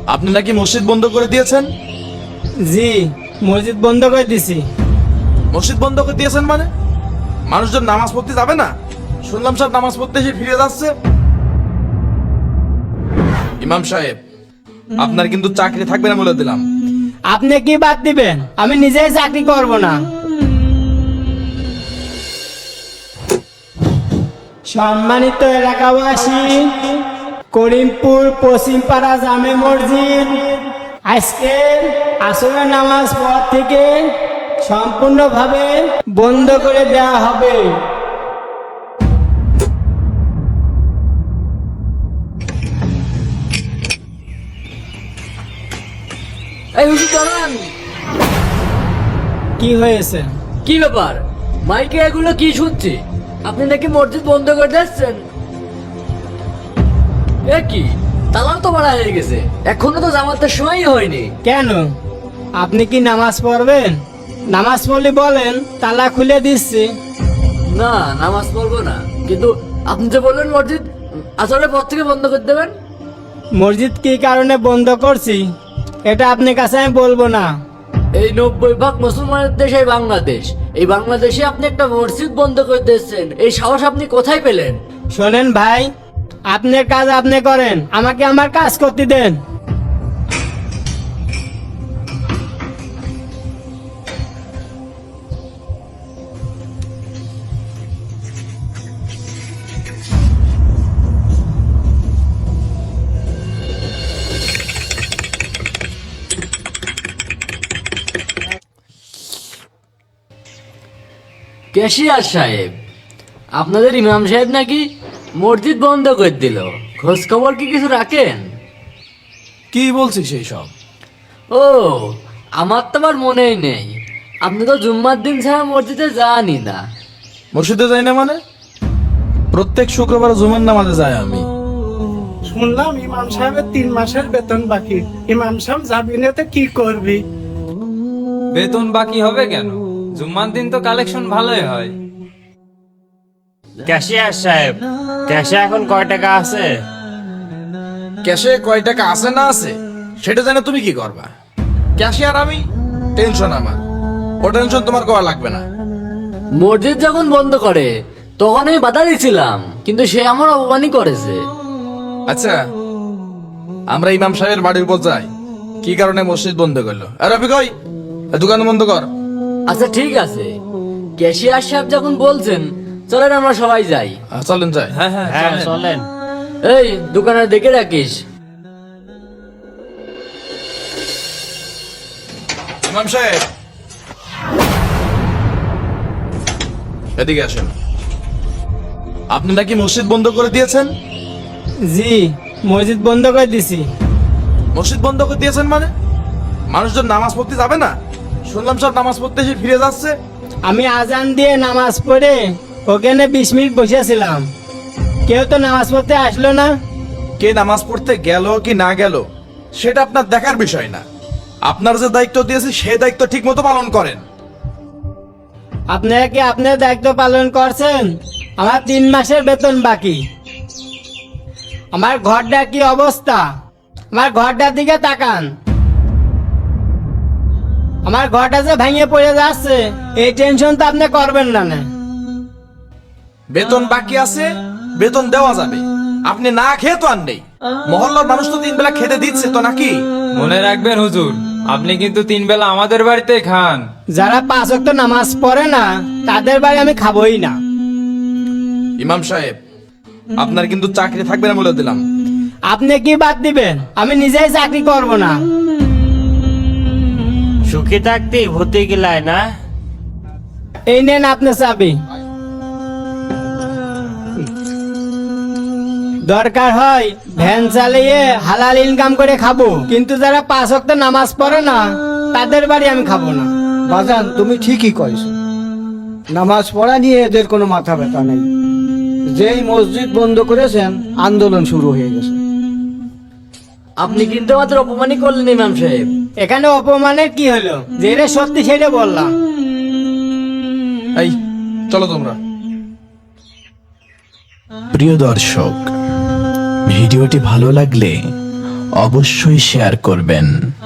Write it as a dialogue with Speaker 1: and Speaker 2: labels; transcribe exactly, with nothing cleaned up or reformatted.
Speaker 1: আপনি নাকি মসজিদ বন্ধ করে দিয়েছেন?
Speaker 2: জি, মসজিদ বন্ধ করে দিছি।
Speaker 1: মসজিদ বন্ধ করে দিয়েছেন মানে মানুষজন নামাজ পড়তে যাবে না? শুনলাম সব নামাজ পড়তে এসে ফিরে যাচ্ছে। ইমাম সাহেব, আপনার কিন্তু চাকরি থাকবে না বলে দিলাম।
Speaker 2: আপনি কি বাদ দিবেন? আমি নিজেই চাকরি করব না। সম্মানিত এলাকাবাসী, করিমপুর পশ্চিমপাড়া জামে মসজিদ আজকে আসরের নামাজ পর থেকে সম্পূর্ণভাবে বন্ধ করে দেওয়া হবে।
Speaker 3: এই হুজুর দাঁড়ান।
Speaker 2: কি হয়েছে?
Speaker 3: কি ব্যাপার, মাইকে এগুলো কি শুনছি? আপনি নাকি মসজিদ বন্ধ করে দিচ্ছেন? এ কি, তালাও তো বাড়া হয়ে গেছে, এখনো তো জামাতের সময়ই হয়নি।
Speaker 2: কেন, আপনি কি নামাজ পড়বেন? নামাজ পড়লে বলেন, তালা খুলে দিচ্ছি।
Speaker 3: না, নামাজ পড়বো না, কিন্তু আপনি যে বললেন মসজিদ আসলে পর থেকে বন্ধ করে দেবেন।
Speaker 2: মসজিদ কি কারণে বন্ধ করছি এটা আপনার কাছে আমি বলবো না।
Speaker 3: এই নব্বই ভাগ মুসলমানের দেশ এই বাংলাদেশ, এই বাংলাদেশে আপনি একটা মসজিদ বন্ধ করে দিচ্ছেন, এই সাহস আপনি কোথায় পেলেন?
Speaker 2: শোনেন ভাই, আপনার কাজ আপনি করেন, আমাকে আমার কাজ করতে দেন।
Speaker 3: ক্যাশিয়ার সাহেব, আপনাদের ইমাম সাহেব নাকি মসজিদ বন্ধ করে দিল, খোঁজ খবর কি কিছু রাখেন?
Speaker 1: কি বলছিস সেই সব?
Speaker 3: ও, আমার তো আবার মনেই নেই, আপনি তো জুম্মার দিন ছাড়া মসজিদে যানই না।
Speaker 1: মসজিদে যাই না মানে? প্রত্যেক শুক্রবার জুমার নামাজে যাই আমি।
Speaker 4: শুনলাম ইমাম সাহেবের তিন মাসের বেতন বাকি। ইমাম সাহেব যাবি না তো কি করবি?
Speaker 5: বেতন বাকি হবে কেন? জুম্মার দিন তো কালেকশন ভালোই হয়।
Speaker 6: ক্যাশিয়ার সাহেব, ক্যাশে এখন কয় টাকা আছে?
Speaker 1: ক্যাশে কয় টাকা আছে না আছে সেটা জানে তুমি কি করবা? ক্যাশিয়ার আমি, টেনশন আমার। ও টেনশন তোমার করা লাগবে না।
Speaker 3: মসজিদ যখন বন্ধ করে তখন আমি বাধা দিয়েছিলাম, কিন্তু সে আমার অপমানই করেছে।
Speaker 1: আচ্ছা, আমরা ইমাম সাহেবের বাড়ির উপর যাই, কি কারণে মসজিদ বন্ধ করলো? আর রফিক ওই দোকান বন্ধ কর।
Speaker 3: আচ্ছা ঠিক আছে, ক্যাশিয়ার সাহেব যখন বলছেন চলেন আমরা সবাই যাই।
Speaker 1: আহ, চলেন যাই।
Speaker 5: হ্যাঁ হ্যাঁ
Speaker 6: হ্যাঁ
Speaker 5: চলেন।
Speaker 6: চলেন।
Speaker 3: এই দোকানে দেখে রাখিস।
Speaker 1: ইমাম সাহেব, এদিকে আসেন। আপনি নাকি মসজিদ বন্ধ করে দিয়েছেন?
Speaker 2: জি, মসজিদ বন্ধ করে দিছি।
Speaker 1: মসজিদ বন্ধ করে দিয়েছেন মানে মানুষজন নামাজ পড়তে যাবে না? শুনলাম সব নামাজ পড়তে এসে ফিরে যাচ্ছে।
Speaker 2: আমি আজান দিয়ে নামাজ পড়ে ওখানে বিশ মিনিট বসেছিলাম, কেউ তো নামাজ পড়তে আসলো না।
Speaker 1: কে নামাজ পড়তে গেল কি না গেল সেটা আপনার দেখার বিষয় না। আপনার যে দায়িত্ব দিয়েছে সেই দায়িত্ব ঠিক মতো পালন করেন।
Speaker 2: আপনারা কি আপনার দায়িত্ব পালন করছেন? আমার তিন মাসের বেতন বাকি। আমার ঘরটা কি অবস্থা? আমার ঘরটার দিকে তাকান। আমার ঘরটা যে ভেঙে পড়ে যাচ্ছে, এই টেনশন তো আপনি করবেন না না।
Speaker 1: বেতন বাকি আছে, বেতন দেওয়া যাবে। আপনি না খেয়ে তো আর নেই। মহল্লার মানুষ তো তিন বেলা খেতে দিচ্ছে তো নাকি?
Speaker 5: মনে রাখবেন হুজুর, আপনি কিন্তু তিন বেলা আমাদের বাড়িতে খান।
Speaker 2: যারা পাঁচ ওয়াক্ত নামাজ পড়ে না তাদের বাড়ি আমি খাবোই না।
Speaker 1: ইমাম সাহেব, আপনার কিন্তু চাকরি থাকবে না বলে দিলাম।
Speaker 2: আপনি কি বাদ দিবেন? আমি নিজেই চাকরি করব না।
Speaker 6: সুখী থাকতে ভূতে গিলায় না।
Speaker 2: এই নেন আপনার চাবি। দরকার হয় ভ্যান চালিয়ে হালাল ইনকাম করে খাবো, কিন্তু যারা পাঁচ ওয়াক্ত নামাজ পড়ে না তাদের বাড়ি আমি খাবো না।
Speaker 7: বাজান, তুমি ঠিকই কইছো। নামাজ পড়া নিয়ে এদের কোনো মাথা ব্যথা নেই। যেই মসজিদ বন্ধ করেছেন আন্দোলন শুরু হয়ে গেছে।
Speaker 3: আপনি কিন্তু আমাদের অপমানই করলেন ইমাম সাহেব।
Speaker 2: এখানে অপমানের কি হলো? যেটা সত্যি সেটা বললাম।
Speaker 1: এই চলো তোমরা। প্রিয় দর্শক, ভিডিওটি ভালো লাগলে অবশ্যই শেয়ার করবেন।